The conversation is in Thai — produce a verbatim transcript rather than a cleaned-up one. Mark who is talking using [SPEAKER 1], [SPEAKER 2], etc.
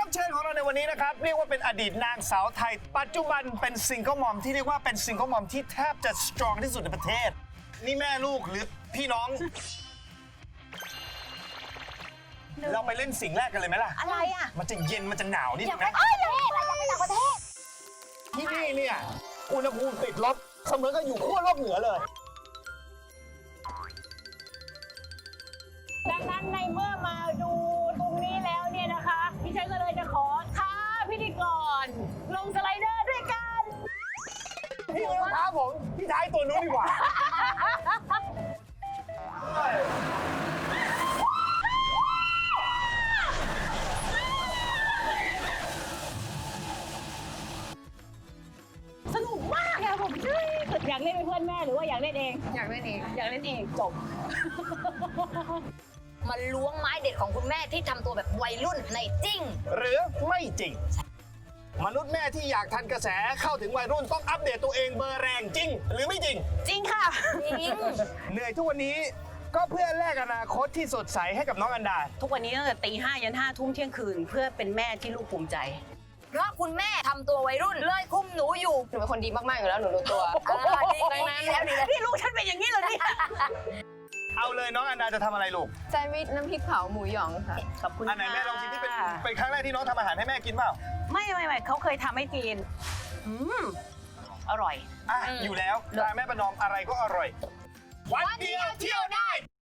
[SPEAKER 1] รับเชิญของเราในวันนี้นะครับเรียกว่าเป็นอดีตนางสาวไทย ปัจจุบันเป็นซิงเกิลมอมที่เรียกว่าเป็นซิงเกิลมอมที่แทบจะสตรองที่สุดในประเทศนี่แม่ลูกหรือพี่น้อง เราไปเล่นสิ่งแรกกันเลยไหมล่ะ
[SPEAKER 2] อะไรอ่ะ
[SPEAKER 1] มันจะเย็นมันจะหนาวนิด
[SPEAKER 2] อยา
[SPEAKER 1] นึ
[SPEAKER 2] ก
[SPEAKER 1] ง
[SPEAKER 2] ไป
[SPEAKER 1] นะ
[SPEAKER 2] เอ้ยอยากไปอยากไปต่างประเทศ
[SPEAKER 1] ที่นี่เนี่ยอุณหภูมิติดลบเสมือนกับอยู่ขั้วโลกเหนือเลย
[SPEAKER 3] ดังนั้นในเมื่อมาดูตรงนี้แล้วเนี่ยนะคะพี่ชัยก็เลยจะขอท้าพิธีกรลงสไลเดอร์ด้วยกัน
[SPEAKER 1] พี่ไม่ต้องท้าผมพี่ท้ายตัวนู้นดีกว่า
[SPEAKER 3] สนุกมากอะผมอยากเล่นเป็นเพื่อนแม่หรือว่าอยากเล่นเอง
[SPEAKER 2] อยากเล่นเอง
[SPEAKER 3] อยากเล่นเองจบ
[SPEAKER 2] มาล้วงไม้เด็ดของคุณแม่ที่ทำตัวแบบวัยรุ่นในจริง
[SPEAKER 1] หรือไม่จริง มนุษย์แม่ที่อยากทันกระแสเข้าถึงวัยรุ่นต้องอัปเดตตัวเองเบอร์แรงจริง หรือไม่จริง
[SPEAKER 3] จริงค่ะ
[SPEAKER 2] จริง
[SPEAKER 1] เหนื่อยทุกวันนี้ก็เพื่อแลกอนาคตที่สดใสให้กับน้องอันดา
[SPEAKER 3] ทุกวันนี้ตั้งแต่ตีห้ายันห้าทุ่มเที่ยงคืนเพื่อเป็นแม่ที่ลูกภูมิใจ
[SPEAKER 2] เพราะคุณแม่ทำตัววัยรุ่นเลยคุมหนูอยู่
[SPEAKER 4] หนูเป็นคนดีมาก ๆ อยู่แล้ว หนูรู้ตัว
[SPEAKER 2] อ่าดีดีแล้วดีแล้ว
[SPEAKER 3] พี่ลูกฉันเป็นอย่างนี้เลยเนี่ย
[SPEAKER 1] เอาเลยน้องอันดาจะทำอะไรลูก
[SPEAKER 4] แซนด์วิชน้ำพริกเผาหมูหยองค่ะ
[SPEAKER 3] ขอบคุณ
[SPEAKER 1] อันไหนแม่ลองชิมที่เป็นเป็นครั้งแรกที่น้องทำอาหารให้แม่กินเปล่า
[SPEAKER 3] ไม่ไม่ไม่เขาเคยทำให้กินอืมอร่อย
[SPEAKER 1] อ่ะอยู่แล้วตาแม่ประนอมอะไรก็อร่อย วันเดียวเที่ยวได้